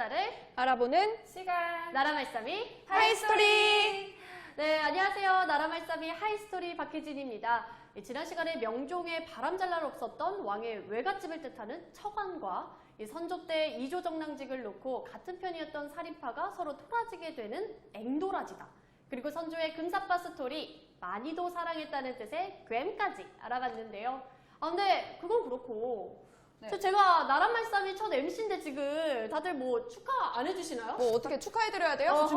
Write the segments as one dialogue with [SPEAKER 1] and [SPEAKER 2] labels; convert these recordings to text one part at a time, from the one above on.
[SPEAKER 1] 역사를
[SPEAKER 2] 알아보는
[SPEAKER 3] 시간
[SPEAKER 1] 나라말싸미
[SPEAKER 2] 하이스토리!
[SPEAKER 1] 네, 안녕하세요. 나라말싸미 하이스토리 박혜진입니다. 지난 시간에 명종의 바람잘 날 없었던 왕의 외갓집을 뜻하는 처관과 선조 때 이조정랑직을 놓고 같은 편이었던 살인파가 서로 토라지게 되는 앵도라지다. 그리고 선조의 금사빠 스토리 많이도 사랑했다는 뜻의 괸까지 알아봤는데요. 근데 그건 그렇고 제가 나라말싸미 첫 MC인데 지금 다들 뭐 축하 안 해주시나요?
[SPEAKER 2] 뭐 어떻게 축하해드려야 돼요?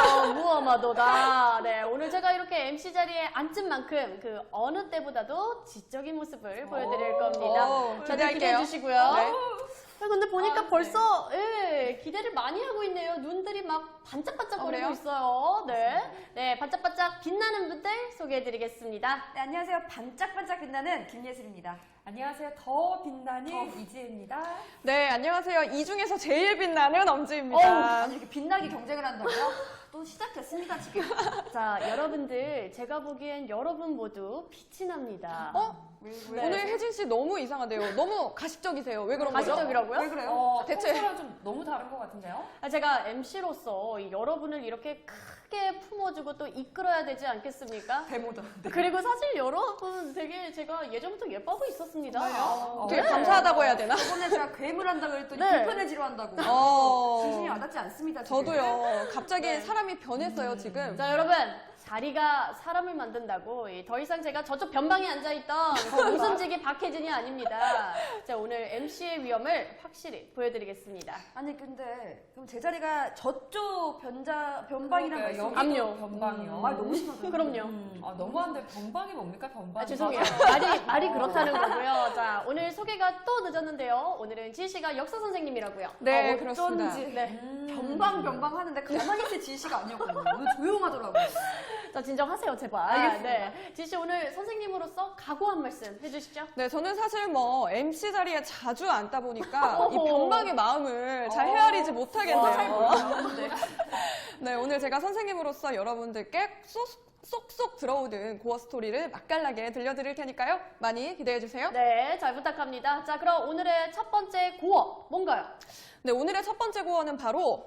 [SPEAKER 1] 무엄하도다. 네, 오늘 제가 이렇게 MC 자리에 앉은 만큼 그 어느 때보다도 지적인 모습을 보여드릴 겁니다. 다들
[SPEAKER 2] 기대할게요.
[SPEAKER 1] 기대해 주시고요.
[SPEAKER 2] 네.
[SPEAKER 1] 근데 보니까 벌써 기대를 많이 하고 있네요. 눈들이 막 반짝반짝거리고
[SPEAKER 2] 그래요?
[SPEAKER 1] 있어요. 네, 반짝반짝 빛나는 분들 소개해드리겠습니다.
[SPEAKER 4] 네, 안녕하세요. 반짝반짝 빛나는 김예슬입니다.
[SPEAKER 3] 안녕하세요. 더 빛나는 이지혜입니다.
[SPEAKER 2] 네, 안녕하세요. 이 중에서 제일 빛나는 엄지입니다.
[SPEAKER 4] 아니, 이렇게 빛나게 경쟁을 한다고요? 또 시작됐습니다, 지금.
[SPEAKER 1] 자, 여러분들 제가 보기엔 여러분 모두 빛이 납니다.
[SPEAKER 4] 왜?
[SPEAKER 2] 오늘 혜진 씨 너무 이상하대요. 너무 가식적이세요. 왜 그런 거죠?
[SPEAKER 1] 가식적이라고요?
[SPEAKER 4] 왜 그래요?
[SPEAKER 2] 대체-
[SPEAKER 3] 평소랑 좀 너무 다른 것 같은데요?
[SPEAKER 1] 제가 MC로서 여러분을 이렇게 크게 품어주고 또 이끌어야 되지 않겠습니까?
[SPEAKER 4] 데모다.
[SPEAKER 1] 그리고 사실 여러분 되게 제가 예전부터 예뻐하고 있었습니다.
[SPEAKER 2] 되게 감사하다고 해야 되나?
[SPEAKER 4] 저번에 제가 괴물 한다고 했더니
[SPEAKER 1] 네.
[SPEAKER 4] 불편해지려 한다고. 진심이 와닿지 않습니다, 지금.
[SPEAKER 2] 저도요. 갑자기 사람이 변했어요, 지금.
[SPEAKER 1] 자, 여러분. 자리가 사람을 만든다고 더 이상 제가 저쪽 변방에 앉아있던 그 웃음지기 박혜진이 아닙니다. 자, 오늘 MC의 위엄을 확실히 보여드리겠습니다.
[SPEAKER 4] 아니, 근데 그럼 제 자리가 저쪽 변방이란
[SPEAKER 3] 그러니까요.
[SPEAKER 4] 말씀.
[SPEAKER 3] 여기도
[SPEAKER 1] 압류.
[SPEAKER 3] 변방이요.
[SPEAKER 4] 말 너무 심하다.
[SPEAKER 1] 그럼요.
[SPEAKER 3] 너무한데 변방이 뭡니까? 변방.
[SPEAKER 1] 죄송해요. 말이 그렇다는 거고요. 자, 오늘 소개가 또 늦었는데요. 오늘은 지희씨가 역사 선생님이라고요.
[SPEAKER 2] 네, 그렇습니다.
[SPEAKER 4] 어쩐지.
[SPEAKER 1] 네.
[SPEAKER 4] 변방 하는데 가만히 있을 지시가 아니었거든요. 오늘 조용하더라고요.
[SPEAKER 1] 자, 진정하세요, 제발.
[SPEAKER 4] 알겠습니다.
[SPEAKER 1] 네. 지희씨 오늘 선생님으로서 각오 한 말씀 해주시죠.
[SPEAKER 2] 네, 저는 사실 뭐 MC 자리에 자주 앉다 보니까 이
[SPEAKER 1] 어허.
[SPEAKER 2] 변방의 마음을 잘 헤아리지 못하겠네요.
[SPEAKER 4] 네.
[SPEAKER 2] 네, 오늘 제가 선생님으로서 여러분들께 쏙쏙 들어오는 고어 스토리를 맛깔나게 들려드릴 테니까요. 많이 기대해주세요.
[SPEAKER 1] 네, 잘 부탁합니다. 자, 그럼 오늘의 첫 번째 고어 뭔가요?
[SPEAKER 2] 네, 오늘의 첫 번째 고어는 바로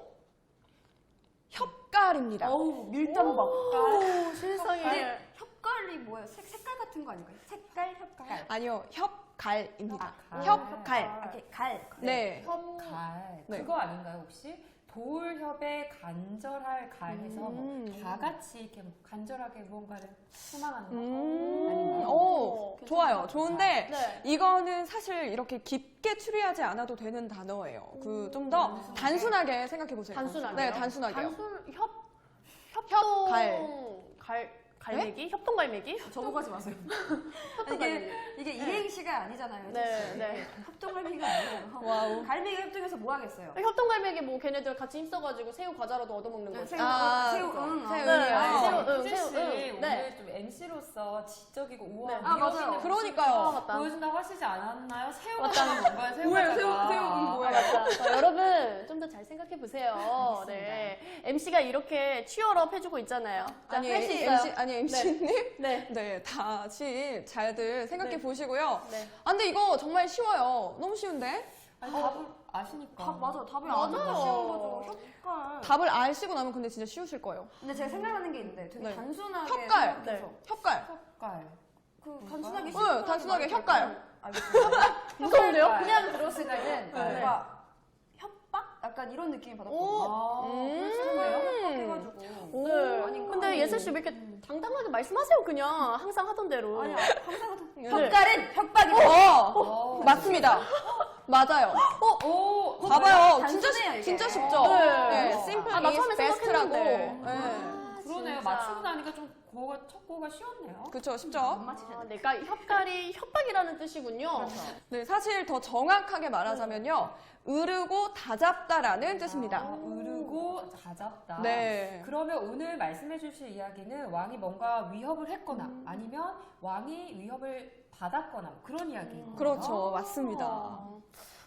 [SPEAKER 2] 협갈입니다.
[SPEAKER 4] 어우, 밀당박.
[SPEAKER 1] 세상에.
[SPEAKER 4] 근데 협갈이 뭐예요? 색깔 같은 거 아닌가요? 색깔, 협갈.
[SPEAKER 2] 아니요, 협갈입니다.
[SPEAKER 3] 갈.
[SPEAKER 2] 협갈.
[SPEAKER 4] 이렇게 갈.
[SPEAKER 2] 네.
[SPEAKER 3] 갈.
[SPEAKER 2] 네.
[SPEAKER 3] 그거 아닌가요, 혹시? 돌협에 간절할 갈 해서 다 같이 이렇게 간절하게 무언가를 소망하는 거. 아닌가요?
[SPEAKER 2] 오, 좋아요. 좋은데
[SPEAKER 1] 네.
[SPEAKER 2] 이거는 사실 이렇게 깊게 추리하지 않아도 되는 단어예요. 그 좀 더 단순하게 생각해 보세요.
[SPEAKER 1] 단순하게.
[SPEAKER 2] 네, 단순하게요.
[SPEAKER 1] 협동.
[SPEAKER 2] 갈.
[SPEAKER 1] 갈매기? 협동갈매기?
[SPEAKER 4] 저보가지 마세요.
[SPEAKER 1] 협동갈매기.
[SPEAKER 4] 이게 이행시가 아니잖아요.
[SPEAKER 1] 네.
[SPEAKER 4] 협동갈매기가 아니에요.
[SPEAKER 2] 와우.
[SPEAKER 4] 갈매기 협동해서 뭐 하겠어요?
[SPEAKER 1] 협동갈매기 뭐 걔네들 같이 힘써가지고 새우 과자라도 얻어먹는 거죠.
[SPEAKER 4] 새우,
[SPEAKER 2] 새우,
[SPEAKER 4] 응.
[SPEAKER 2] 새우.
[SPEAKER 1] 네, 새우, 응,
[SPEAKER 3] 혜진 씨,
[SPEAKER 1] 새우, 응. 네.
[SPEAKER 3] 오늘 좀 MC로서 지적이고 우아한
[SPEAKER 1] 네.
[SPEAKER 4] 아,
[SPEAKER 3] 위협
[SPEAKER 4] 맞아요.
[SPEAKER 3] 있는
[SPEAKER 2] 그러니까요.
[SPEAKER 3] 모습을
[SPEAKER 1] 맞다.
[SPEAKER 3] 보여준다고 하시지 않았나요? 새우가
[SPEAKER 1] 맞다.
[SPEAKER 3] 뭔가요? 새우
[SPEAKER 4] 뭐예요?
[SPEAKER 3] 과자가.
[SPEAKER 4] 새우, 뭐예요?
[SPEAKER 1] 맞다. 자, 여러분 좀 더 잘 생각해 보세요. 네, MC가 이렇게 취업업 해주고 있잖아요. 자,
[SPEAKER 2] 아니,
[SPEAKER 1] 할 수 있어요.
[SPEAKER 2] MC님?
[SPEAKER 1] 네.
[SPEAKER 2] 네, 다시 잘들 생각해
[SPEAKER 1] 네.
[SPEAKER 2] 보시고요.
[SPEAKER 1] 네.
[SPEAKER 2] 아, 근데 이거 정말 쉬워요. 너무 쉬운데?
[SPEAKER 3] 아니, 답을 아시니까.
[SPEAKER 4] 맞아. 답이
[SPEAKER 1] 맞아요.
[SPEAKER 4] 아니까 쉬운 거죠. 협갈.
[SPEAKER 2] 답을 아시고 나면 근데 진짜 쉬우실 거예요.
[SPEAKER 4] 근데 제가 생각나는 게 있는데 되게
[SPEAKER 2] 네.
[SPEAKER 4] 단순하게
[SPEAKER 2] 협갈.
[SPEAKER 4] 생각해서
[SPEAKER 2] 협갈.
[SPEAKER 3] 협갈.
[SPEAKER 4] 그 단순하게
[SPEAKER 2] 응, 단순하게 협갈.
[SPEAKER 4] 알겠습니다.
[SPEAKER 1] 무서운데요?
[SPEAKER 4] 그냥 들었을 때는
[SPEAKER 3] 네.
[SPEAKER 4] 뭔가 협박? 약간 이런 느낌이 받았거든요.
[SPEAKER 3] 아,
[SPEAKER 4] 협박해가지고.
[SPEAKER 1] 네.
[SPEAKER 4] 아닌가?
[SPEAKER 1] 근데 예슬 씨 왜 이렇게 당당하게 말씀하세요? 그냥 항상 하던 대로.
[SPEAKER 4] 아니야, 항상 하던
[SPEAKER 1] 네.
[SPEAKER 4] 협갈은 협박이다.
[SPEAKER 2] 맞습니다. 맞아요.
[SPEAKER 3] 오,
[SPEAKER 2] 봐봐요.
[SPEAKER 4] 단순해요, 이게.
[SPEAKER 2] 진짜 쉽죠?
[SPEAKER 1] 네.
[SPEAKER 2] 네, simple
[SPEAKER 1] 아, 나
[SPEAKER 2] is
[SPEAKER 1] 처음에
[SPEAKER 2] best라고.
[SPEAKER 1] 생각했는데.
[SPEAKER 2] 네.
[SPEAKER 3] 그러네요.
[SPEAKER 1] 진짜.
[SPEAKER 3] 맞추고 나니까 좀 첫 고가 쉬웠네요.
[SPEAKER 2] 그쵸, 쉽죠?
[SPEAKER 1] 네, 그러니까 협갈이 협박이라는 뜻이군요.
[SPEAKER 2] 네, 사실 더 정확하게 말하자면요. 으르고 다잡다라는 뜻입니다.
[SPEAKER 3] 으르고 다잡다.
[SPEAKER 2] 네.
[SPEAKER 3] 그러면 오늘 말씀해 주실 이야기는 왕이 뭔가 위협을 했거나 아니면 왕이 위협을 받았거나 그런 이야기인 거예요.
[SPEAKER 2] 그렇죠. 맞습니다.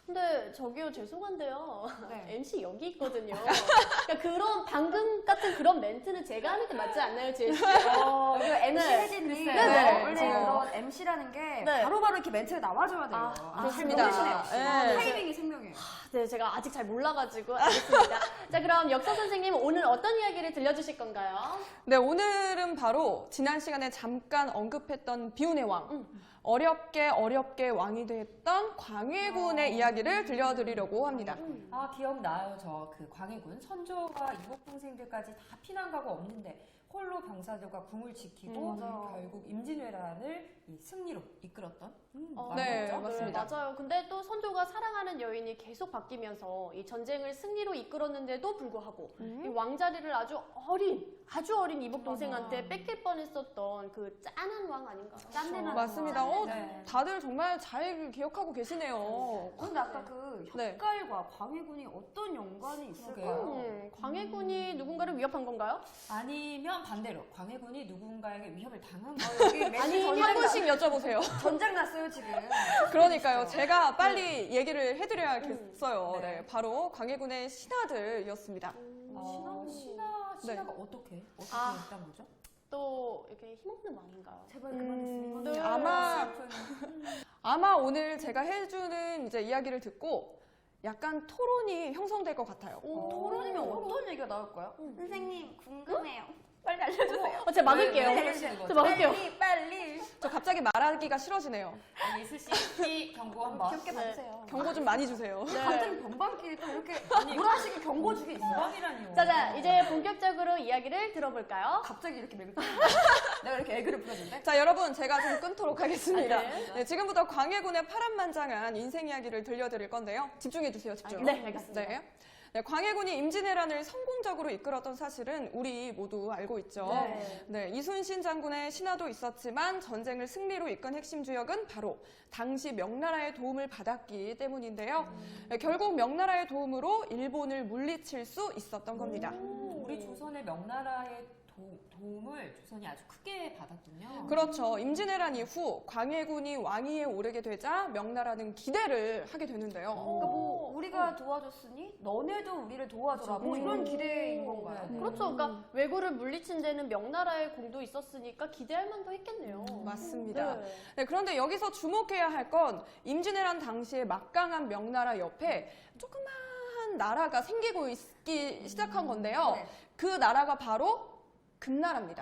[SPEAKER 1] 근데 저기요 죄송한데요.
[SPEAKER 4] 네.
[SPEAKER 1] MC 여기 있거든요. 그러니까 그런 방금 같은 그런 멘트는 제가 하는 게 맞지 않나요, 지혜 씨?
[SPEAKER 4] 이거 MC
[SPEAKER 1] 네.
[SPEAKER 4] 혜진이
[SPEAKER 1] 네.
[SPEAKER 4] 원래
[SPEAKER 2] 지금.
[SPEAKER 4] 그런 MC라는 게
[SPEAKER 1] 네.
[SPEAKER 4] 바로바로 이렇게 멘트가 나와줘야 돼요.
[SPEAKER 2] 그렇습니다.
[SPEAKER 4] 너무시네요.
[SPEAKER 2] 네.
[SPEAKER 4] 타이밍이 생명이에요.
[SPEAKER 1] 네, 제가 아직 잘 몰라가지고 알겠습니다. 자, 그럼 역사 선생님 오늘 어떤 이야기를 들려주실 건가요?
[SPEAKER 2] 네, 오늘은 바로 지난 시간에 잠깐 언급했던 비운의 왕. 어렵게 왕이 됐던 광해군의 이야기를 들려드리려고 합니다.
[SPEAKER 3] 아, 기억나요. 저 그 광해군 선조가 이복 동생들까지 다 피난 가고 없는데 홀로 병사들과 궁을 지키고
[SPEAKER 4] 맞아요.
[SPEAKER 3] 결국 임진왜란을 이 승리로 이끌었던
[SPEAKER 2] 네,
[SPEAKER 3] 왕이었죠.
[SPEAKER 2] 맞습니다.
[SPEAKER 1] 맞아요. 근데 또 선조가 사랑하는 여인이 계속 바뀌면서 이 전쟁을 승리로 이끌었는데도 불구하고 이 왕자리를 아주 어린 이복 동생한테 뺏길 뻔했었던 그 짠한 왕 아닌가?
[SPEAKER 4] 짠내나는
[SPEAKER 2] 맞습니다.
[SPEAKER 4] 왕.
[SPEAKER 3] 네.
[SPEAKER 2] 다들 정말 잘 기억하고 계시네요.
[SPEAKER 4] 근데 아까 그
[SPEAKER 2] 네.
[SPEAKER 4] 혓갈과 광해군이 어떤 연관이 있을까요?
[SPEAKER 1] 광해군이 누군가를 위협한 건가요?
[SPEAKER 3] 아니면 반대로 광해군이 누군가에게 위협을 당한
[SPEAKER 4] 여기
[SPEAKER 1] 아니,
[SPEAKER 4] 메시
[SPEAKER 2] 한
[SPEAKER 4] 전쟁,
[SPEAKER 2] 분씩 여쭤보세요.
[SPEAKER 4] 전쟁 났어요 지금.
[SPEAKER 2] 그러니까요. 제가 빨리 얘기를 해드려야겠어요.
[SPEAKER 3] 네.
[SPEAKER 2] 네, 바로 광해군의 신하들이었습니다.
[SPEAKER 3] 신하가 어떻게
[SPEAKER 1] 아.
[SPEAKER 3] 했단 거죠?
[SPEAKER 1] 또 이렇게 힘없는 왕인가요?
[SPEAKER 4] 제발 그만했으면
[SPEAKER 1] 네.
[SPEAKER 2] 아마 오늘 제가 해주는 이제 이야기를 듣고 약간 토론이 형성될 것 같아요.
[SPEAKER 4] 토론이면 어떤 얘기가 나올까요? 선생님 궁금해요. 빨리 알려주세요.
[SPEAKER 1] 제가 막을게요.
[SPEAKER 3] 왜 그러시는
[SPEAKER 1] 제가
[SPEAKER 3] 거죠?
[SPEAKER 1] 막을게요.
[SPEAKER 4] 빨리.
[SPEAKER 2] 저 갑자기 말하기가 싫어지네요.
[SPEAKER 3] 예슬 씨 경고 한번.
[SPEAKER 4] 귀엽게
[SPEAKER 1] 네.
[SPEAKER 4] 봐주세요.
[SPEAKER 2] 경고 좀 많이 주세요.
[SPEAKER 4] 같은 변방끼리 또 이렇게 무라식의 경고 주게 있어요.
[SPEAKER 3] 건방이라니요.
[SPEAKER 1] 자, 이제 본격적으로 이야기를 들어볼까요?
[SPEAKER 4] 갑자기 이렇게 맥을 내가 이렇게 애교를 부렸는데.
[SPEAKER 2] 자, 여러분, 제가 좀 끊도록 하겠습니다.
[SPEAKER 1] 아, 네.
[SPEAKER 2] 네, 지금부터 광해군의 파란만장한 인생 이야기를 들려드릴 건데요. 집중해주세요, 집중.
[SPEAKER 1] 네, 알겠습니다.
[SPEAKER 2] 네. 네, 광해군이 임진왜란을 성공적으로 이끌었던 사실은 우리 모두 알고 있죠.
[SPEAKER 1] 네.
[SPEAKER 2] 네, 이순신 장군의 신하도 있었지만 전쟁을 승리로 이끈 핵심 주역은 바로 당시 명나라의 도움을 받았기 때문인데요. 네, 결국 명나라의 도움으로 일본을 물리칠 수 있었던 겁니다.
[SPEAKER 3] 우리 조선의 명나라의 도움을 조선이 아주 크게 받았군요.
[SPEAKER 2] 그렇죠. 임진왜란 이후 광해군이 왕위에 오르게 되자 명나라는 기대를 하게 되는데요.
[SPEAKER 4] 그러니까 뭐 우리가 도와줬으니 너네도 우리를 도와줘라. 뭐 이런 기대인 건가요?
[SPEAKER 1] 그렇죠. 그러니까 왜구를 물리친 데는 명나라의 공도 있었으니까 기대할 만도 했겠네요.
[SPEAKER 2] 맞습니다.
[SPEAKER 1] 네.
[SPEAKER 2] 네, 그런데 여기서 주목해야 할 건 임진왜란 당시에 막강한 명나라 옆에 조그마한 나라가 생기고 있기 시작한 건데요.
[SPEAKER 4] 네.
[SPEAKER 2] 그 나라가 바로 금나라입니다.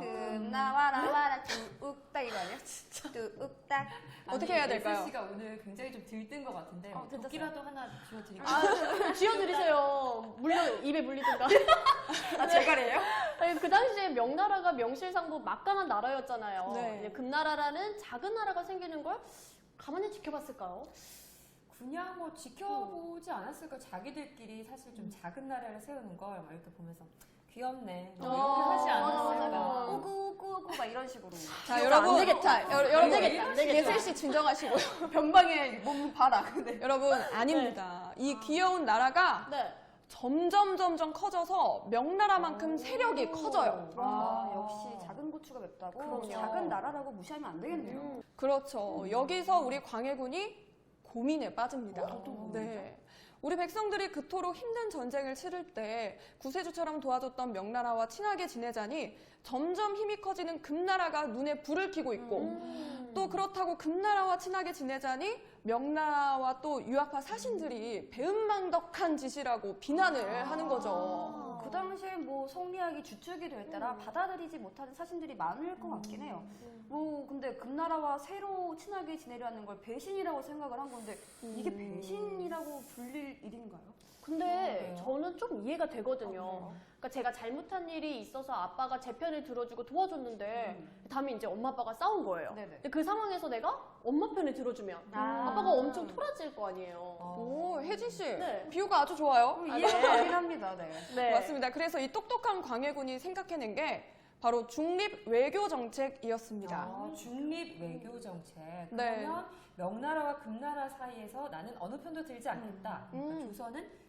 [SPEAKER 4] 금나와라 뚜욱딱 이거 아니야? 진짜 뚜욱딱.
[SPEAKER 2] 어떻게 해야 될까요?
[SPEAKER 3] 예슬 씨가 오늘 굉장히 좀 들뜬 것 같은데
[SPEAKER 4] 들떴어요.
[SPEAKER 3] 도끼라도 하나 쥐어드릴까요?
[SPEAKER 1] 아, 쥐어드리세요. 입에 물리든가.
[SPEAKER 4] 제갈이에요?
[SPEAKER 1] 아니, 그 당시에 명나라가 명실상부 막강한 나라였잖아요.
[SPEAKER 2] 네.
[SPEAKER 1] 이제 금나라라는 작은 나라가 생기는 걸 가만히 지켜봤을까요?
[SPEAKER 3] 그냥 뭐 지켜보지 않았을까. 자기들끼리 사실 좀 작은 나라를 세우는 걸 막 이렇게 보면서 귀엽네. 뭐 이렇게 하지 않았을까.
[SPEAKER 1] 맞아.
[SPEAKER 4] 우구우구우구 막 이런 식으로.
[SPEAKER 2] 자, 여러분.
[SPEAKER 1] 안 되겠다.
[SPEAKER 2] 여러분,
[SPEAKER 1] 되겠다, 안 되겠다.
[SPEAKER 2] 예슬 씨 진정하시고요.
[SPEAKER 4] 변방에 몸 봐라. 근데
[SPEAKER 2] 여러분, 아닙니다. 이 귀여운 나라가
[SPEAKER 1] 네.
[SPEAKER 2] 점점 커져서 명나라만큼 세력이 커져요.
[SPEAKER 4] 역시 작은 고추가 맵다고.
[SPEAKER 1] 그럼요.
[SPEAKER 4] 작은 나라라고 무시하면 안 되겠네요.
[SPEAKER 2] 그렇죠. 여기서 우리 광해군이 고민에 빠집니다. 네. 우리 백성들이 그토록 힘든 전쟁을 치를 때 구세주처럼 도와줬던 명나라와 친하게 지내자니 점점 힘이 커지는 금나라가 눈에 불을 켜고 있고 또 그렇다고 금나라와 친하게 지내자니 명나라와 또 유학파 사신들이 배은망덕한 짓이라고 비난을 하는 거죠.
[SPEAKER 4] 그 당시에 뭐 성리학이 주축이 될 때라 받아들이지 못하는 사신들이 많을 것 같긴 해요. 뭐 근데 금나라와 새로 친하게 지내려는 걸 배신이라고 생각을 한 건데 이게 배신이라고 불릴 일인가요?
[SPEAKER 1] 근데
[SPEAKER 3] 그래요?
[SPEAKER 1] 저는 좀 이해가 되거든요. 그러니까 제가 잘못한 일이 있어서 아빠가 제 편을 들어주고 도와줬는데 다음에 이제 엄마 아빠가 싸운 거예요.
[SPEAKER 4] 네네.
[SPEAKER 1] 근데 그 상황에서 내가 엄마 편을 들어주면 아빠가 엄청 토라질 거 아니에요.
[SPEAKER 2] 오, 혜진 씨.
[SPEAKER 1] 네.
[SPEAKER 2] 비유가 아주 좋아요.
[SPEAKER 4] 이해가 가긴 합니다. 네.
[SPEAKER 1] 네.
[SPEAKER 2] 맞습니다. 그래서 이 똑똑한 광해군이 생각해낸 게 바로 중립 외교 정책이었습니다.
[SPEAKER 3] 중립 외교 정책.
[SPEAKER 2] 네.
[SPEAKER 3] 그러면 명나라와 금나라 사이에서 나는 어느 편도 들지 않겠다. 그러니까 조선은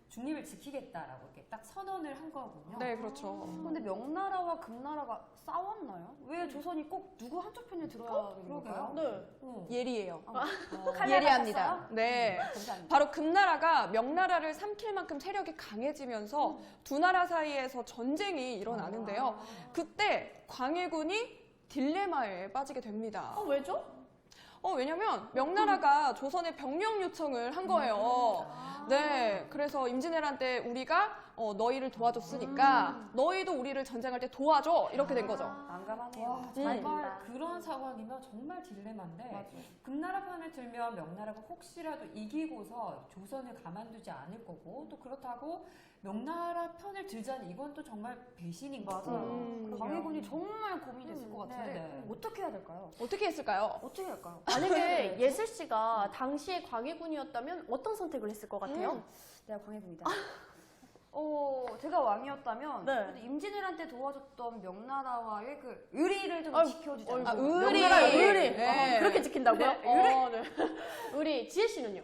[SPEAKER 3] 중립을 지키겠다라고 이렇게 딱 선언을 한 거군요.
[SPEAKER 2] 네, 그렇죠.
[SPEAKER 4] 근데 명나라와 금나라가 싸웠나요? 왜 조선이 꼭 누구 한쪽 편에 들어야 되는 걸까요?
[SPEAKER 1] 네.
[SPEAKER 2] 예리해요.
[SPEAKER 4] 칼날
[SPEAKER 2] 예리합니다.
[SPEAKER 4] 같았어요?
[SPEAKER 2] 네.
[SPEAKER 4] 감사합니다.
[SPEAKER 2] 바로 금나라가 명나라를 삼킬 만큼 세력이 강해지면서 두 나라 사이에서 전쟁이 일어나는데요. 그때 광해군이 딜레마에 빠지게 됩니다.
[SPEAKER 1] 왜죠?
[SPEAKER 2] 왜냐면 명나라가 조선에 병력 요청을 한 거예요. 네, 그래서 임진왜란 때 우리가 너희를 도와줬으니까 너희도 우리를 전쟁할 때 도와줘 이렇게 된 거죠.
[SPEAKER 4] 난감하네요.
[SPEAKER 3] 와, 정말 그런 상황이면 정말 딜레마인데
[SPEAKER 4] 맞아요.
[SPEAKER 3] 금나라 편을 들면 명나라가 혹시라도 이기고서 조선을 가만두지 않을 거고 또 그렇다고 명나라 편을 들자니 이건 또 정말 배신인 거죠.
[SPEAKER 4] 맞아요. 광해군이 정말 고민됐을 것 같은데
[SPEAKER 3] 네.
[SPEAKER 4] 어떻게 해야 될까요?
[SPEAKER 2] 어떻게 했을까요?
[SPEAKER 4] 어떻게 할까요?
[SPEAKER 1] 만약에 예슬 씨가 당시에 광해군이었다면 어떤 선택을 했을 것 같아요?
[SPEAKER 4] 내가 광해군이다. 제가 왕이었다면
[SPEAKER 1] 네.
[SPEAKER 4] 그래도 임진왜란 때 도와줬던 명나라와의 그 의리를 좀
[SPEAKER 1] 아이고,
[SPEAKER 4] 지켜주자.
[SPEAKER 2] 의리.
[SPEAKER 1] 명나라 의리.
[SPEAKER 2] 네.
[SPEAKER 1] 그렇게 지킨다고요?
[SPEAKER 4] 네,
[SPEAKER 1] 네. 의리. 지혜 씨는요?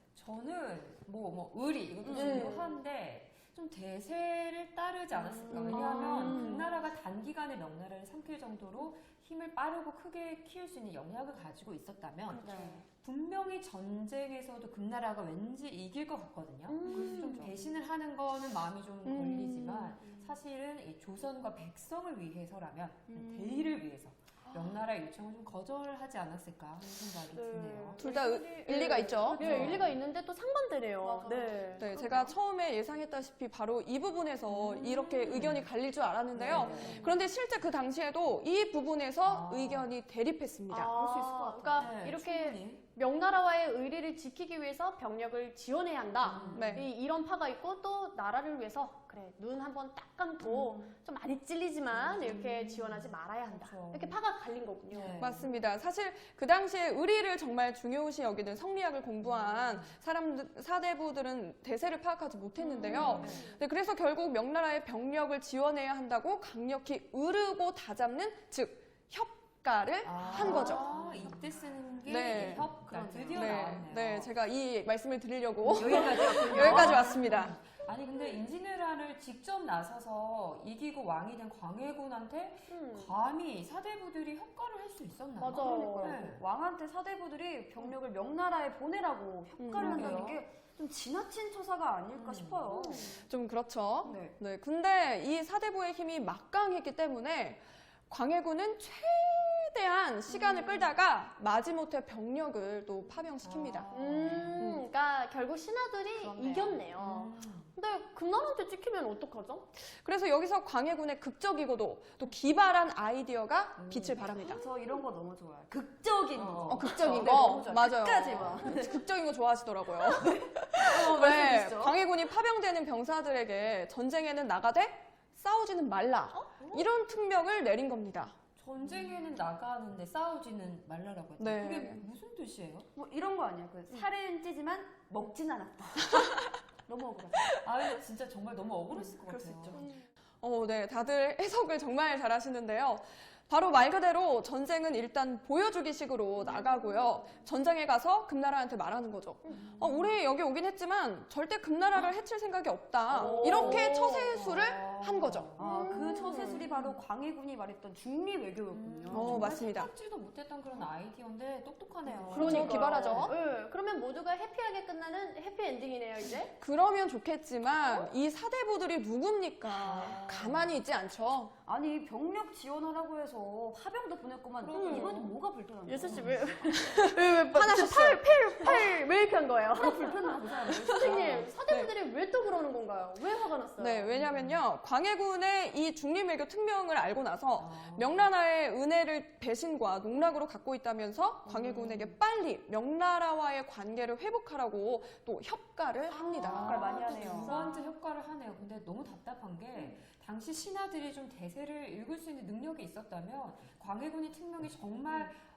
[SPEAKER 3] 저는 의리 이것도 중요한데 좀 대세를 따르지 않았을까. 왜냐하면 금나라가 단기간에 명나라를 삼킬 정도로 힘을 빠르고 크게 키울 수 있는 영향을 가지고 있었다면 분명히 전쟁에서도 금나라가 왠지 이길 것 같거든요. 그래서 좀 배신을 하는 거는 마음이 좀 걸리지만 사실은 이 조선과 백성을 위해서라면 대의를 위해서 명나라의 요청을 좀 거절하지 않았을까 하는 생각이 드네요.
[SPEAKER 2] 둘 다 일리가 있죠.
[SPEAKER 1] 네, 일리가 있는데 또 상반되네요.
[SPEAKER 4] 맞아요.
[SPEAKER 1] 네.
[SPEAKER 2] 네, 제가 처음에 예상했다시피 바로 이 부분에서 이렇게 의견이 갈릴 줄 알았는데요.
[SPEAKER 3] 네.
[SPEAKER 2] 그런데 실제 그 당시에도 이 부분에서 의견이 대립했습니다.
[SPEAKER 4] 그럴 수 있을 것 같아요.
[SPEAKER 1] 그러니까
[SPEAKER 3] 네,
[SPEAKER 1] 이렇게
[SPEAKER 3] 충분히.
[SPEAKER 1] 명나라와의 의리를 지키기 위해서 병력을 지원해야 한다.
[SPEAKER 2] 네.
[SPEAKER 1] 이런 파가 있고 또 나라를 위해서 그래 눈 한번 딱 감고 좀 많이 찔리지만 이렇게 지원하지 말아야 한다.
[SPEAKER 3] 그렇죠.
[SPEAKER 1] 이렇게 파가 갈린 거군요.
[SPEAKER 3] 네.
[SPEAKER 2] 맞습니다. 사실 그 당시에 의리를 정말 중요시 여기는 성리학을 공부한 사대부들은 대세를 파악하지 못했는데요. 네, 그래서 결국 명나라의 병력을 지원해야 한다고 강력히 으르고 다잡는 즉 협가를 한 거죠.
[SPEAKER 3] 이때 쓰는 게
[SPEAKER 2] 네.
[SPEAKER 3] 협가 드디어
[SPEAKER 2] 네,
[SPEAKER 3] 나왔네요.
[SPEAKER 2] 네, 제가 이 말씀을 드리려고
[SPEAKER 3] 여기까지
[SPEAKER 2] 여기까지 왔습니다.
[SPEAKER 3] 아니 근데 임진왜란을 직접 나서서 이기고 왕이 된 광해군한테 감히 사대부들이 협가를 할 수 있었나요?
[SPEAKER 1] 맞아.
[SPEAKER 4] 그러니까요.
[SPEAKER 3] 네.
[SPEAKER 4] 왕한테 사대부들이 병력을 명나라에 보내라고 협가를 한다는
[SPEAKER 3] 그러게요.
[SPEAKER 4] 게 좀 지나친 처사가 아닐까 싶어요.
[SPEAKER 2] 좀 그렇죠.
[SPEAKER 4] 네.
[SPEAKER 2] 네, 근데 이 사대부의 힘이 막강했기 때문에 광해군은 최대한 시간을 끌다가 마지못해 병력을 또 파병시킵니다.
[SPEAKER 1] 그러니까 결국 신하들이
[SPEAKER 4] 그렇네요.
[SPEAKER 1] 이겼네요. 근데 금나라한테 찍히면 어떡하죠?
[SPEAKER 2] 그래서 여기서 광해군의 극적이고도 또 기발한 아이디어가 빛을 발합니다.
[SPEAKER 4] 저 이런 거 너무 좋아요. 극적인 거.
[SPEAKER 2] 극적인
[SPEAKER 4] 네,
[SPEAKER 2] 거
[SPEAKER 4] 너무 좋아요.
[SPEAKER 2] 맞아요.
[SPEAKER 4] 끝까지 막.
[SPEAKER 2] 극적인 거 좋아하시더라고요.
[SPEAKER 4] 말씀 주시죠.
[SPEAKER 2] 광해군이 파병되는 병사들에게 전쟁에는 나가되 싸우지는 말라. 이런 특명을 내린 겁니다.
[SPEAKER 3] 전쟁에는 나가는데 싸우지는 말라라고 했죠.
[SPEAKER 2] 네.
[SPEAKER 3] 그게 무슨 뜻이에요?
[SPEAKER 4] 뭐 이런 거 아니야. 그 살은 찌지만 먹진 않았다. 너무 억울하다.
[SPEAKER 3] 아 근데 진짜 정말 너무 억울했을 것
[SPEAKER 4] 그럴 수
[SPEAKER 3] 같아요.
[SPEAKER 4] 있죠.
[SPEAKER 2] 네, 다들 해석을 정말 잘하시는데요. 바로 말 그대로 전쟁은 일단 보여주기식으로 나가고요. 전장에 가서 금나라한테 말하는 거죠. 우리 여기 오긴 했지만 절대 금나라를 해칠 생각이 없다. 이렇게 처세술을 한 거죠.
[SPEAKER 4] 그 처세술이 바로 광해군이 말했던 중립 외교였군요.
[SPEAKER 2] 맞습니다.
[SPEAKER 3] 생각지도 못했던 그런 아이디어인데 똑똑하네요.
[SPEAKER 2] 그러니까 기발하죠.
[SPEAKER 1] 네, 그러면 모두가 해피하게 끝나는 해피엔딩이네요, 이제.
[SPEAKER 2] 그러면 좋겠지만 이 사대부들이 누굽니까? 가만히 있지 않죠.
[SPEAKER 4] 아니 병력 지원하라고 해서 파병도 보냈구만. 이번에 뭐가 불편한 거야?
[SPEAKER 1] 예슬 씨 왜 화나셨어요? 팔 왜 이렇게 한 거예요?
[SPEAKER 4] 불편한 그 사람.
[SPEAKER 1] 선생님, 사대부들이 왜 또 그러는 건가요? 왜 화가 났어요?
[SPEAKER 2] 네, 왜냐면요. 광해군의 이 중립외교 특명을 알고 나서 명나라의 은혜를 배신과 농락으로 갖고 있다면서 광해군에게 빨리 명나라와의 관계를 회복하라고 또 협가를 합니다.
[SPEAKER 4] 협가를 많이 하네요.
[SPEAKER 3] 두 번째 효과를 하네요. 근데 너무 답답한 게 당시 신하들이 좀 대세를 읽을 수 있는 능력이 있었다면 광해군의 특명이 정말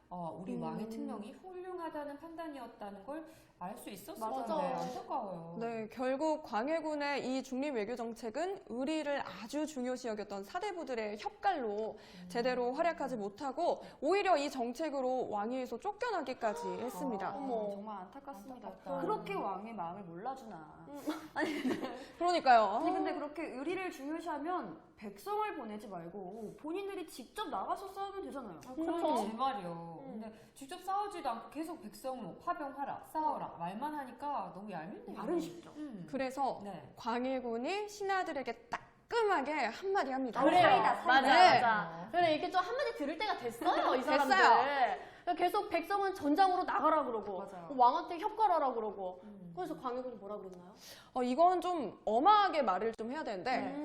[SPEAKER 3] 우리 왕의 특명이 훌륭하다는 판단이었다는 걸 알 수 있었을
[SPEAKER 1] 맞아.
[SPEAKER 3] 텐데 안타까워요.
[SPEAKER 2] 네, 결국 광해군의 이 중립 외교 정책은 의리를 아주 중요시 여겼던 사대부들의 협갈로 제대로 활약하지 못하고 오히려 이 정책으로 왕위에서 쫓겨나기까지 했습니다.
[SPEAKER 1] 어머.
[SPEAKER 4] 정말 안타깝습니다.
[SPEAKER 3] 안타깝다.
[SPEAKER 4] 그렇게 왕의 마음을 몰라주나.
[SPEAKER 2] 그러니까요.
[SPEAKER 4] 아니 근데 그렇게 의리를 중요시하면 백성을 보내지 말고 본인들이 직접 나가서 싸우면 되잖아요.
[SPEAKER 1] 그렇죠.
[SPEAKER 3] 제 말이요. 근데 직접 싸우지도 않고 계속 백성 뭐 파병하라, 싸워라 말만 하니까 너무 얄밉네요.
[SPEAKER 4] 말은 쉽죠.
[SPEAKER 2] 그래서
[SPEAKER 3] 네.
[SPEAKER 2] 광해군이 신하들에게 따끔하게 한마디 합니다.
[SPEAKER 4] 그래요.
[SPEAKER 1] 맞아,
[SPEAKER 2] 네.
[SPEAKER 1] 맞아. 그래, 이렇게 좀 한마디 들을 때가 됐어요, 이 사람들.
[SPEAKER 2] 됐어요.
[SPEAKER 1] 계속 백성은 전장으로 나가라 그러고,
[SPEAKER 4] 맞아요.
[SPEAKER 1] 왕한테 협갈하라 그러고. 그래서 광해군이 뭐라 그랬나요?
[SPEAKER 2] 이건 좀 엄하게 말을 좀 해야 되는데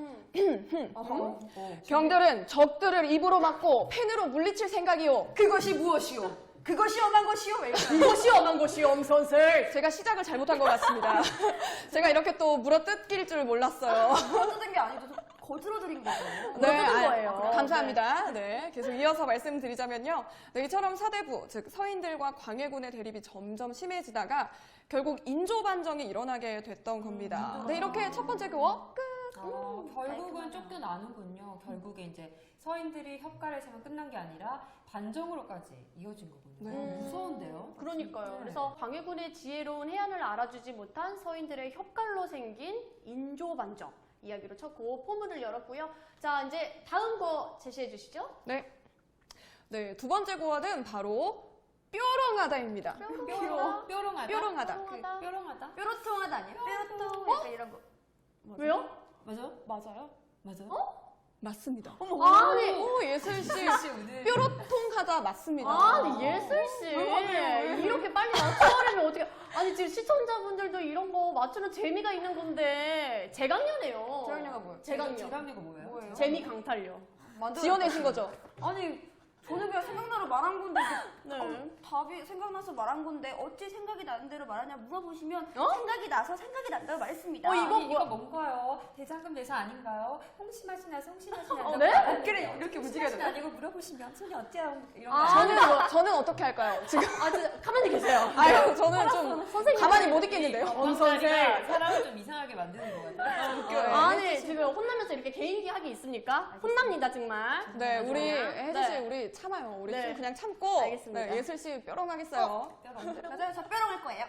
[SPEAKER 3] 경들
[SPEAKER 2] 경들은 적들을 입으로 막고 펜으로 물리칠 생각이요.
[SPEAKER 4] 그것이 무엇이오? 그것이 엄한 것이오? 왜 이러나?
[SPEAKER 1] 이것이 엄한 것이 엄선슬.
[SPEAKER 2] 제가 시작을 잘못한 것 같습니다. 제가 이렇게 또 물어뜯길 줄 몰랐어요.
[SPEAKER 4] 거두든 게 아니고 거들어드린 거죠.
[SPEAKER 1] 물어뜯은 거예요.
[SPEAKER 2] 감사합니다. 네, 계속 이어서 말씀드리자면요. 네, 이처럼 사대부, 즉 서인들과 광해군의 대립이 점점 심해지다가 결국 인조반정이 일어나게 됐던 겁니다. 네, 이렇게 첫 번째 교어 끝.
[SPEAKER 3] 결국은 쫓겨나는군요. 결국에 이제 서인들이 협갈을 세면 끝난 게 아니라 반정으로까지 이어진 거군요.
[SPEAKER 2] 네.
[SPEAKER 3] 무서운데요.
[SPEAKER 1] 그러니까요.
[SPEAKER 3] 네.
[SPEAKER 1] 그래서 광해군의 지혜로운 해안을 알아주지 못한 서인들의 협갈로 생긴 인조반정 이야기로 쳤고 포문을 열었고요. 자, 이제 다음 거 제시해 주시죠.
[SPEAKER 2] 네, 두 번째 고어는 바로 뾰롱하다입니다.
[SPEAKER 3] 뾰롱하다.
[SPEAKER 2] 뾰롱하다.
[SPEAKER 1] 뾰롱하다.
[SPEAKER 3] 뾰롱하다.
[SPEAKER 4] 뾰로통하다 아니에요? 뾰로통 약간 이런 거.
[SPEAKER 1] 왜요?
[SPEAKER 3] 맞아?
[SPEAKER 2] 맞아요?
[SPEAKER 3] 맞아?
[SPEAKER 2] 맞습니다.
[SPEAKER 1] 아니,
[SPEAKER 2] 오, 예슬씨.
[SPEAKER 3] 혹시 오늘
[SPEAKER 2] 뾰로통하다 맞습니다.
[SPEAKER 1] 아니 예슬 씨 이렇게 빨리 맞춰버리면 어떻게? 아니 지금 시청자분들도 이런 거 맞추는 재미가 있는 건데 재강녀네요.
[SPEAKER 4] 재강녀가 뭐예요?
[SPEAKER 1] 재강녀.
[SPEAKER 3] 재강녀가 뭐예요?
[SPEAKER 4] 뭐예요?
[SPEAKER 1] 재미 강탈녀.
[SPEAKER 2] 지어내신 거죠?
[SPEAKER 4] 아니 저는 그냥 생각나서 말한 건데
[SPEAKER 1] 네.
[SPEAKER 4] 답이 생각나서 말한 건데 어찌 생각이 나는 대로 말하냐 물어보시면
[SPEAKER 1] 어?
[SPEAKER 4] 생각이 나서 생각이 난다고 말했습니다.
[SPEAKER 3] 이거 뭔가요? 대장금 대사 아닌가요? 홍시맛이 나서 홍시맛이 난다고.
[SPEAKER 1] 네?
[SPEAKER 4] 어깨를 이렇게 움직여야
[SPEAKER 3] 홍시맛이
[SPEAKER 4] 돼.
[SPEAKER 3] 아니고 물어보시면 손이 어때요? 이런 거.
[SPEAKER 2] 저는 어떻게 할까요? 지금
[SPEAKER 1] 진짜 가만히 계세요.
[SPEAKER 2] 아유, 저는 좀
[SPEAKER 1] 선생님.
[SPEAKER 2] 가만히 못 있겠는데요.
[SPEAKER 3] 엄선생 사람을 좀 이상하게 만드는 것 같아요.
[SPEAKER 1] 아니 지금 혼나면서 이렇게 개인기 하기 있습니까? 혼납니다 정말.
[SPEAKER 2] 네, 우리 혜지 씨
[SPEAKER 1] 네.
[SPEAKER 2] 우리 참아요. 우리
[SPEAKER 1] 네.
[SPEAKER 2] 좀 그냥 참고
[SPEAKER 1] 알겠습니다.
[SPEAKER 2] 네, 예슬 씨 뾰롱하겠어요.
[SPEAKER 4] 맞아요. 저 뾰롱할 거예요.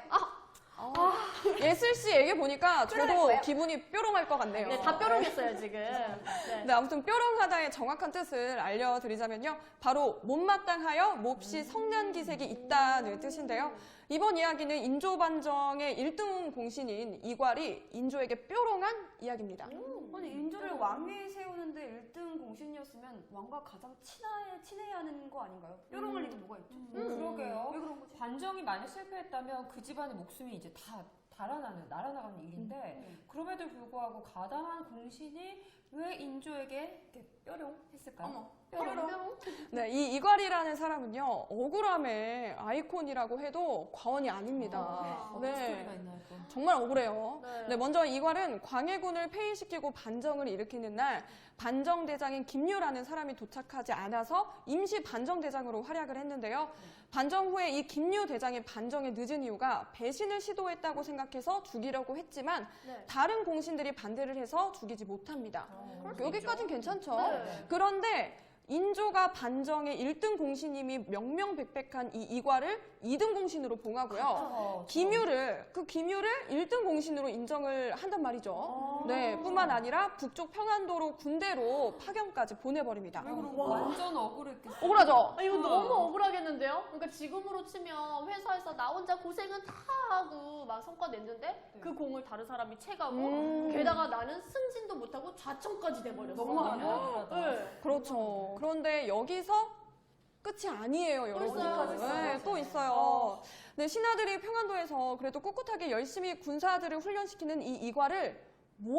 [SPEAKER 2] 예슬 씨에게 보니까
[SPEAKER 4] 뾰롱할
[SPEAKER 2] 저도
[SPEAKER 4] 거예요?
[SPEAKER 2] 기분이 뾰롱할 것 같네요.
[SPEAKER 1] 네, 다 뾰롱했어요 지금. 네.
[SPEAKER 2] 네, 아무튼 뾰롱하다의 정확한 뜻을 알려드리자면요. 바로 못마땅하여 몹시 성난기색이 있다는 뜻인데요. 이번 이야기는 인조반정의 1등 공신인 이괄이 인조에게 뾰롱한 이야기입니다.
[SPEAKER 4] 아니 인조를 왕위에 세우는데 1등 공신이었으면 왕과 가장 친해야 하는 거 아닌가요? 뾰롱할 일이 뭐가 있죠?
[SPEAKER 3] 그러게요.
[SPEAKER 4] 왜 그런 거지?
[SPEAKER 3] 반정이 만약 실패했다면 그 집안의 목숨이 이제 다 날아가는 일인데 그럼에도 불구하고 가담한 공신이 왜 인조에게 이렇게 뾰롱 했을까요?
[SPEAKER 4] 어머,
[SPEAKER 1] 뾰롱.
[SPEAKER 2] 네, 이 이괄이라는 사람은요, 억울함의 아이콘이라고 해도 과언이 아닙니다.
[SPEAKER 3] 스토리가
[SPEAKER 2] 네,
[SPEAKER 3] 있나요 또?
[SPEAKER 2] 정말 억울해요.
[SPEAKER 1] 네.
[SPEAKER 2] 네, 먼저 이괄은 광해군을 폐위시키고 반정을 일으키는 날 반정대장인 김유라는 사람이 도착하지 않아서 임시 반정대장으로 활약을 했는데요. 반정 후에 이 김유 대장이 반정에 늦은 이유가 배신을 시도했다고 생각해서 죽이려고 했지만
[SPEAKER 1] 네.
[SPEAKER 2] 다른 공신들이 반대를 해서 죽이지 못합니다. 여기까지는 괜찮죠.
[SPEAKER 1] 네.
[SPEAKER 2] 그런데 인조가 반정의 1등 공신님이 명명백백한 이 이괄을 2등 공신으로 봉하고요. 김유를 1등 공신으로 인정을 한단 말이죠. 네, 뿐만 아니라 북쪽 평안도로 군대로 파견까지 보내버립니다.
[SPEAKER 3] 완전 억울했겠어요.
[SPEAKER 2] 억울하죠?
[SPEAKER 1] 이거 너무 억울하겠는데요? 그러니까 지금으로 치면 회사에서 나 혼자 고생은 다 하고 막 성과 냈는데 그 공을 다른 사람이 채가고 게다가 나는 승진도 못하고 좌청까지 돼버렸어.
[SPEAKER 3] 너무
[SPEAKER 1] 네.
[SPEAKER 2] 그렇죠. 그런데 여기서 끝이 아니에요, 여러분.
[SPEAKER 1] 있어요.
[SPEAKER 2] 네, 또 있어요. 네, 신하들이 평안도에서 그래도 꿋꿋하게 열심히 군사들을 훈련시키는 이 이괄을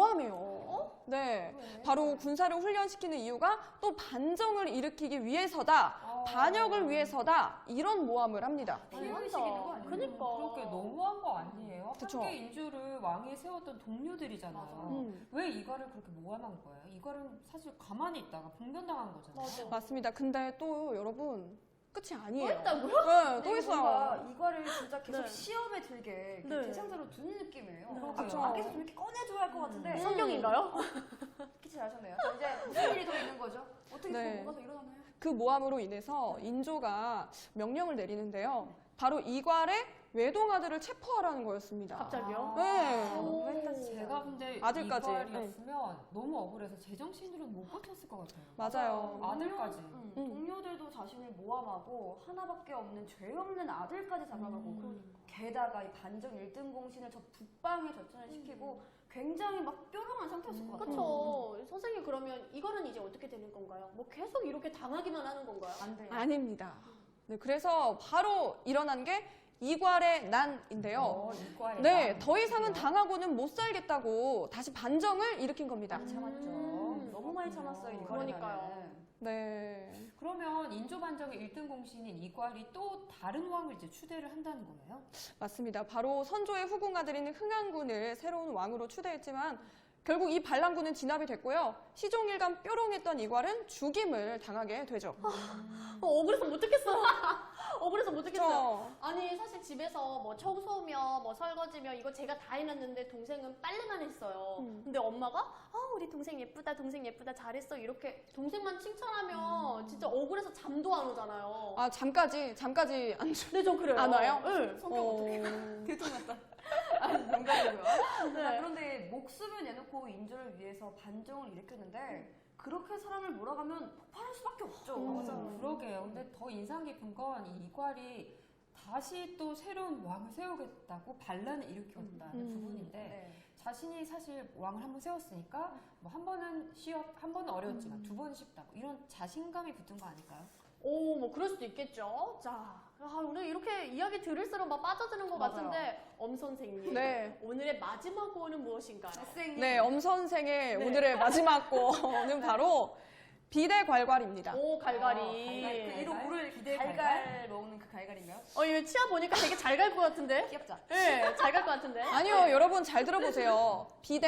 [SPEAKER 2] 모함해요. 네, 바로 군사를 훈련시키는 이유가 또 반정을 일으키기 위해서다, 반역을 위해서다, 이런 모함을 합니다.
[SPEAKER 3] 피해의식이 있는 거 아니에요?
[SPEAKER 1] 그러니까.
[SPEAKER 3] 그렇게 너무한 거 아니에요?
[SPEAKER 2] 그쵸.
[SPEAKER 3] 함께 인조를 왕위에 세웠던 동료들이잖아요. 왜 이거를 그렇게 모함한 거예요? 이거는 사실 가만히 있다가 봉변당한 거잖아요.
[SPEAKER 2] 맞습니다. 근데 또 여러분, 끝이 아니에요.
[SPEAKER 1] 했다고요?
[SPEAKER 2] 네, 또
[SPEAKER 4] 이게
[SPEAKER 2] 있어요.
[SPEAKER 4] 뭔가 이거를 진짜 계속
[SPEAKER 1] 네.
[SPEAKER 4] 시험에 들게 이렇게
[SPEAKER 1] 네.
[SPEAKER 4] 대상자로 두는 느낌이에요.
[SPEAKER 3] 그러게요.
[SPEAKER 4] 그렇죠. 아, 계속 좀 이렇게 꺼내줘야 할 것 같은데
[SPEAKER 1] 성경인가요?
[SPEAKER 4] 키치 잘하셨네요. 자, 이제 무슨 일이 더 있는 거죠? 어떻게
[SPEAKER 2] 네.
[SPEAKER 4] 뭐가 더 일어나나요?
[SPEAKER 2] 그 모함으로 인해서 인조가 명령을 내리는데요. 바로 이괄의 외동아들을 체포하라는 거였습니다.
[SPEAKER 1] 갑자기요?
[SPEAKER 2] 네.
[SPEAKER 4] 너무했다 진짜.
[SPEAKER 3] 제가 근데
[SPEAKER 2] 아들까지.
[SPEAKER 3] 이괄이었으면 너무 억울해서 제정신으로는 못 버텼을 것 같아요.
[SPEAKER 2] 맞아요.
[SPEAKER 3] 아들까지.
[SPEAKER 4] 동료들도 자신을 모함하고 하나밖에 없는 죄 없는 아들까지 잡아가고 게다가 이 반정 1등 공신을 저 북방에 전천을 시키고 굉장히 막 뾰롱한 상태였을 것 같아요.
[SPEAKER 1] 그렇죠. 선생님 그러면 이거는 이제 어떻게 되는 건가요? 뭐 계속 이렇게 당하기만 하는 건가요?
[SPEAKER 4] 안 돼요.
[SPEAKER 2] 아닙니다. 네, 그래서 바로 일어난 게 이괄의 난인데요.
[SPEAKER 3] 이괄의
[SPEAKER 2] 네,
[SPEAKER 3] 난.
[SPEAKER 2] 더 이상은 당하고는 못 살겠다고 다시 반정을 일으킨 겁니다.
[SPEAKER 4] 많이 참았죠. 너무 많이 참았어요. 이거는.
[SPEAKER 1] 그러니까요.
[SPEAKER 2] 네.
[SPEAKER 3] 그러면 인조 반정의 1등 공신인 이괄이 또 다른 왕을 이제 추대를 한다는 거예요?
[SPEAKER 2] 맞습니다. 바로 선조의 후궁아들인 흥안군을 새로운 왕으로 추대했지만 결국 이 반란군은 진압이 됐고요. 시종일관 뾰롱했던 이괄은 죽임을 당하게 되죠.
[SPEAKER 1] 억울해서 못 듣겠어요. 억울해서 못 듣겠어요.
[SPEAKER 2] 그렇죠.
[SPEAKER 1] 아니 사실 집에서 뭐 청소며 뭐 설거지며 이거 제가 다 해놨는데 동생은 빨래만 했어요. 근데 엄마가 우리 동생 예쁘다 동생 예쁘다 잘했어 이렇게 동생만 칭찬하면 진짜 억울해서 잠도 안 오잖아요.
[SPEAKER 2] 아, 잠까지 안 주.
[SPEAKER 1] 근데 전 그래요.
[SPEAKER 2] 안 와요?
[SPEAKER 1] 네.
[SPEAKER 4] 성격 어떻게 들통났다. 아니 농담이고요.
[SPEAKER 2] 네.
[SPEAKER 4] 그런데 목숨을 내놓고 인조를 위해서 반정을 일으켰는데 그렇게 사람을 몰아가면 폭발할 수밖에 없죠.
[SPEAKER 3] 그러게요. 근데 더 인상 깊은 건 이 이괄이 다시 또 새로운 왕을 세우겠다고 반란을 일으켰다는 부분인데
[SPEAKER 4] 네.
[SPEAKER 3] 자신이 사실 왕을 한번 세웠으니까 뭐 한 번은 한 번은 어려웠지만 두 번은 쉽다고 이런 자신감이 붙은 거 아닐까요?
[SPEAKER 1] 오, 뭐 그럴 수도 있겠죠. 자, 오늘 이렇게 이야기 들을수록 막 빠져드는 것
[SPEAKER 4] 맞아요.
[SPEAKER 1] 같은데 엄 선생님,
[SPEAKER 2] 네.
[SPEAKER 1] 오늘의 마지막 고는 무엇인가요?
[SPEAKER 4] 선생님.
[SPEAKER 2] 네, 엄 선생의
[SPEAKER 1] 네.
[SPEAKER 2] 오늘의 마지막 고는 바로 비대괄괄입니다.
[SPEAKER 1] 오,
[SPEAKER 4] 그
[SPEAKER 1] 갈갈이.
[SPEAKER 4] 이로 물을
[SPEAKER 3] 기대
[SPEAKER 4] 갈갈 먹는 그 갈갈인가요?
[SPEAKER 1] 이거 치아 보니까 되게 잘 갈 것 같은데?
[SPEAKER 4] 귀엽죠?
[SPEAKER 1] 네, 잘 갈 것 같은데?
[SPEAKER 2] 아니요, 여러분 잘 들어보세요.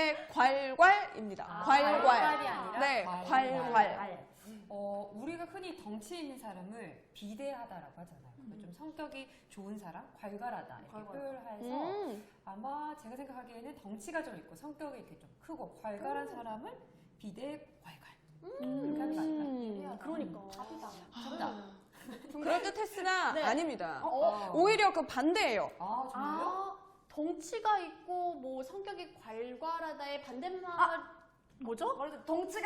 [SPEAKER 2] 비대괄괄입니다.
[SPEAKER 1] 아,
[SPEAKER 2] 괄괄.
[SPEAKER 3] 괄괄이 아니라
[SPEAKER 2] 네, 괄괄.
[SPEAKER 3] 우리가 흔히 덩치 있는 사람을 비대하다라고 하잖아요. 좀 성격이 좋은 사람, 괄괄하다 이렇게
[SPEAKER 4] 괄괄.
[SPEAKER 3] 표현해서 아마 제가 생각하기에는 덩치가 좀 있고 성격이 이렇게 좀 크고 괄괄한 사람을 비대괄괄 이렇게 하는 거 아닐까요?
[SPEAKER 1] 그러니까.
[SPEAKER 3] 정답.
[SPEAKER 2] 그럴듯했으나
[SPEAKER 1] 네.
[SPEAKER 2] 아닙니다.
[SPEAKER 3] 어.
[SPEAKER 2] 오히려 그 반대예요.
[SPEAKER 3] 아 정말요?
[SPEAKER 1] 덩치가 있고 뭐 성격이 괄괄하다의 반대말 뭐죠?
[SPEAKER 4] 말해도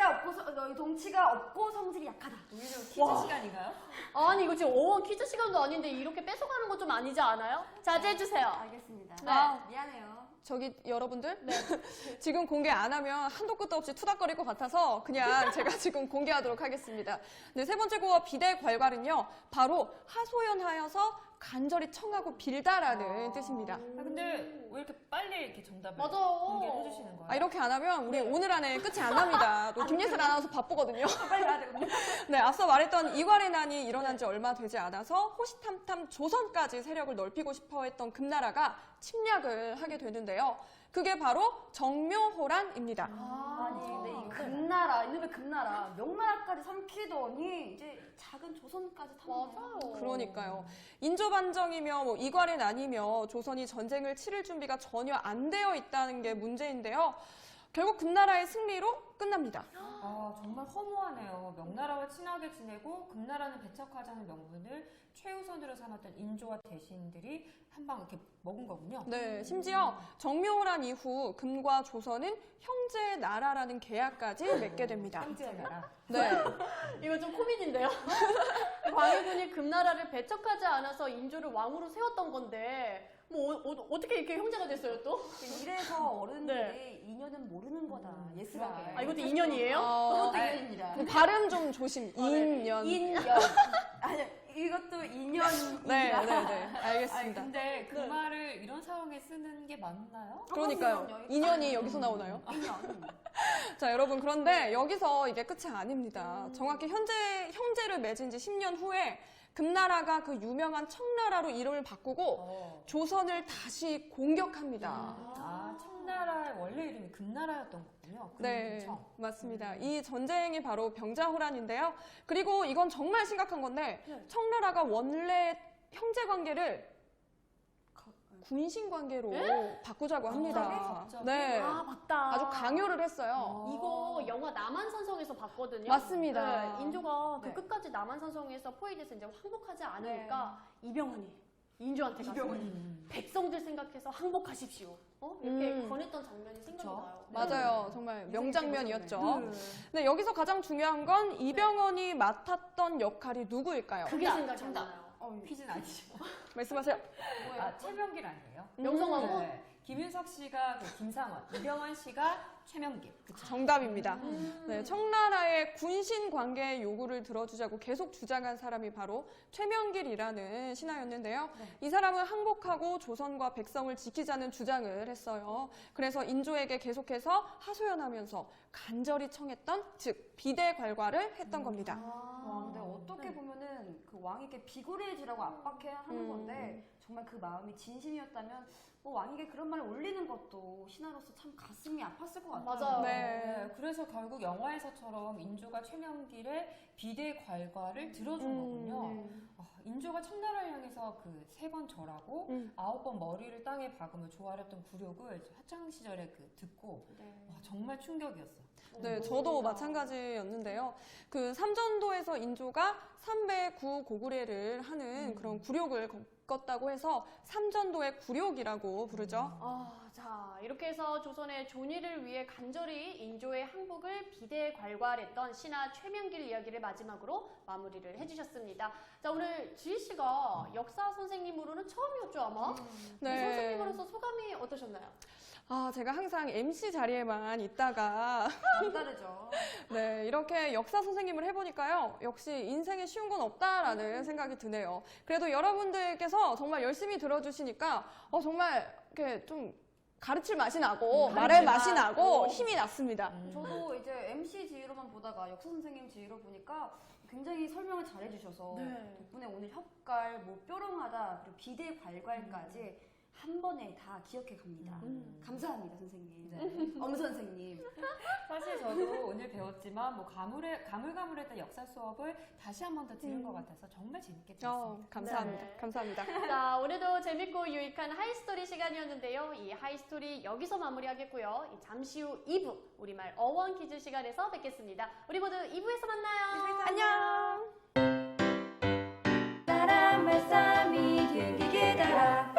[SPEAKER 4] 덩치가 없고 성질이 약하다.
[SPEAKER 3] 퀴즈
[SPEAKER 1] 와.
[SPEAKER 3] 시간인가요?
[SPEAKER 1] 아니 이거 지금 어원 퀴즈 시간도 아닌데 이렇게 뺏어가는 건 좀 아니지 않아요? 자제해주세요.
[SPEAKER 4] 알겠습니다.
[SPEAKER 1] 네.
[SPEAKER 4] 미안해요.
[SPEAKER 2] 저기 여러분들 지금 공개 안 하면 한도 끝도 없이 투닥거릴 것 같아서 그냥 제가 지금 공개하도록 하겠습니다. 네, 세 번째 고어 비대괄괄은요. 바로 하소연하여서 간절히 청하고 빌다라는 뜻입니다.
[SPEAKER 3] 근데 왜 이렇게 빨리 이렇게 정답을
[SPEAKER 1] 맞아요.
[SPEAKER 3] 공개해 주시는 거예요?
[SPEAKER 2] 이렇게 안 하면 우리 오늘 안에 끝이 안 납니다. 또 김예슬 아나운서 바쁘거든요.
[SPEAKER 4] 빨리 가야 되거든요.
[SPEAKER 2] 네, 앞서 말했던 이괄의 난이 일어난 지 얼마 되지 않아서 호시탐탐 조선까지 세력을 넓히고 싶어 했던 금나라가 침략을 하게 되는데요. 그게 바로 정묘호란입니다.
[SPEAKER 4] 아니 근데 이 금나라 이놈의 금나라 명나라까지 삼키더니 이제 작은 조선까지 탐내요.
[SPEAKER 1] 맞아요.
[SPEAKER 2] 그러니까요. 인조반정이며 뭐 이괄의 난이며 조선이 전쟁을 치를 준비가 전혀 안 되어 있다는 게 문제인데요. 결국 금나라의 승리로 끝납니다.
[SPEAKER 3] 정말 허무하네요. 명나라와 친하게 지내고 금나라는 배척하자는 명분을 최우선으로 삼았던 인조와 대신들이 한 방 이렇게 먹은 거군요.
[SPEAKER 2] 네, 심지어 정묘호란 이후 금과 조선은 형제 나라라는 계약까지 맺게 됩니다.
[SPEAKER 3] 형제 나라.
[SPEAKER 2] 네,
[SPEAKER 1] 이거 좀 코미디인데요? 광해군이 금나라를 배척하지 않아서 인조를 왕으로 세웠던 건데 뭐 어떻게 이렇게 형제가 됐어요 또?
[SPEAKER 4] 이래서 어른들이 인연은 모르는 거다. 예스가.
[SPEAKER 3] 그러게.
[SPEAKER 1] 이것도 인연이에요?
[SPEAKER 4] 그것도 인연입니다.
[SPEAKER 2] 발음 좀 조심. 인연.
[SPEAKER 4] 인연. 아니 이것도 인연입니다.
[SPEAKER 2] 네,
[SPEAKER 3] 아니,
[SPEAKER 2] 알겠습니다.
[SPEAKER 3] 근데 그 말을 이런 상황에 쓰는 게 맞나요?
[SPEAKER 2] 그러니까요. 인연이 여기서 나오나요?
[SPEAKER 4] 인연.
[SPEAKER 2] 자, 여러분, 그런데 여기서 이게 끝이 아닙니다. 정확히 형제를 맺은 지 10년 후에 금나라가 그 유명한 청나라로 이름을 바꾸고
[SPEAKER 3] 어.
[SPEAKER 2] 조선을 다시 공격합니다.
[SPEAKER 3] 아, 청나라의 원래 이름이 금나라였던 거군요.
[SPEAKER 2] 네,
[SPEAKER 3] 금청.
[SPEAKER 2] 맞습니다. 이 전쟁이 바로 병자호란인데요. 그리고 이건 정말 심각한 건데
[SPEAKER 1] 네.
[SPEAKER 2] 청나라가 원래 형제 관계를 군신 관계로 바꾸자고 합니다.
[SPEAKER 3] 갑자기?
[SPEAKER 2] 네,
[SPEAKER 1] 아, 맞다.
[SPEAKER 2] 아주 강요를 했어요.
[SPEAKER 1] 이거 영화 남한산성에서 봤거든요.
[SPEAKER 2] 맞습니다.
[SPEAKER 1] 네, 인조가 그
[SPEAKER 4] 네.
[SPEAKER 1] 끝까지 남한산성에서 포위돼서 이제 항복하지 않으니까 이병헌이 인조한테 가서 백성들 생각해서 항복하십시오. 이렇게 권했던 장면이 생각나요.
[SPEAKER 2] 맞아요. 정말 명장면이었죠.
[SPEAKER 4] 네.
[SPEAKER 2] 네, 여기서 가장 중요한 건 이병헌이 맡았던 역할이 누구일까요?
[SPEAKER 1] 그게
[SPEAKER 3] 정답,
[SPEAKER 1] 생각이 안
[SPEAKER 3] 정답.
[SPEAKER 1] 나요.
[SPEAKER 3] 퀴즈는 아니죠.
[SPEAKER 2] 말씀하세요.
[SPEAKER 3] 아, 최명길 아니에요?
[SPEAKER 1] 명성황후?
[SPEAKER 3] 네. 김윤석 씨가 그 김상원, 이병헌 씨가 최명길. 그쵸?
[SPEAKER 2] 정답입니다. 네, 청나라의 군신 관계 요구를 들어주자고 계속 주장한 사람이 바로 최명길이라는 신하였는데요. 이 사람은 항복하고 조선과 백성을 지키자는 주장을 했어요. 그래서 인조에게 계속해서 하소연하면서 간절히 청했던, 즉 비대괄과를 했던 겁니다.
[SPEAKER 4] 와, 근데 어떻게 보면은 그 왕에게 비굴해지라고 압박해야 하는 건데 정말 그 마음이 진심이었다면 왕에게 그런 말을 올리는 것도 신하로서 참 가슴이 아팠을 것 같아요.
[SPEAKER 1] 맞아요.
[SPEAKER 2] 네.
[SPEAKER 3] 그래서 결국 영화에서처럼 인조가 최명길의 비대괄과를 들어준 거군요. 인조가 청나라를 향해서 그 3번 절하고 9번 머리를 땅에 박으며 조아렸던 굴욕을 학창 시절에 그 듣고 와, 정말 충격이었어요.
[SPEAKER 2] 네, 저도 마찬가지였는데요. 그 삼전도에서 인조가 3배 9 고구려를 하는 그런 굴욕을 겪었다고 해서 삼전도의 굴욕이라고 부르죠.
[SPEAKER 1] 자, 이렇게 해서 조선의 존의를 위해 간절히 인조의 항복을 비대괄과했던 신하 최명길 이야기를 마지막으로 마무리를 해주셨습니다. 자, 오늘 지희 씨가 역사 선생님으로는 처음이었죠, 아마?
[SPEAKER 2] 네.
[SPEAKER 1] 선생님으로서 소감이 어떠셨나요?
[SPEAKER 2] 제가 항상 MC 자리에만 있다가
[SPEAKER 4] 남다르죠.
[SPEAKER 2] 네, 이렇게 역사 선생님을 해보니까요. 역시 인생에 쉬운 건 없다라는 생각이 드네요. 그래도 여러분들께서 정말 열심히 들어주시니까 정말 이렇게 좀 가르칠 맛이 나고 말할 맛이 나고 힘이 났습니다.
[SPEAKER 4] 저도 이제 MC 지휘로만 보다가 역사 선생님 지휘로 보니까 굉장히 설명을 잘해주셔서 덕분에 오늘 협갈, 뾰롱하다, 그리고 비대괄괄까지 한 번에 다 기억해 갑니다. 감사합니다, 선생님. 엄 선생님.
[SPEAKER 3] 사실 저도 오늘 배웠지만 뭐 가물가물했던 역사 수업을 다시 한 번 더 들은 것 같아서 정말 재밌게 들었습니다.
[SPEAKER 2] 감사합니다.
[SPEAKER 1] 네.
[SPEAKER 2] 감사합니다.
[SPEAKER 1] 자, 오늘도 재밌고 유익한 하이스토리 시간이었는데요. 이 하이스토리 여기서 마무리하겠고요. 잠시 후 2부 우리말 어원 퀴즈 시간에서 뵙겠습니다. 우리 모두 2부에서 만나요.
[SPEAKER 2] 안녕.
[SPEAKER 4] 나라 말싸미 길게 달아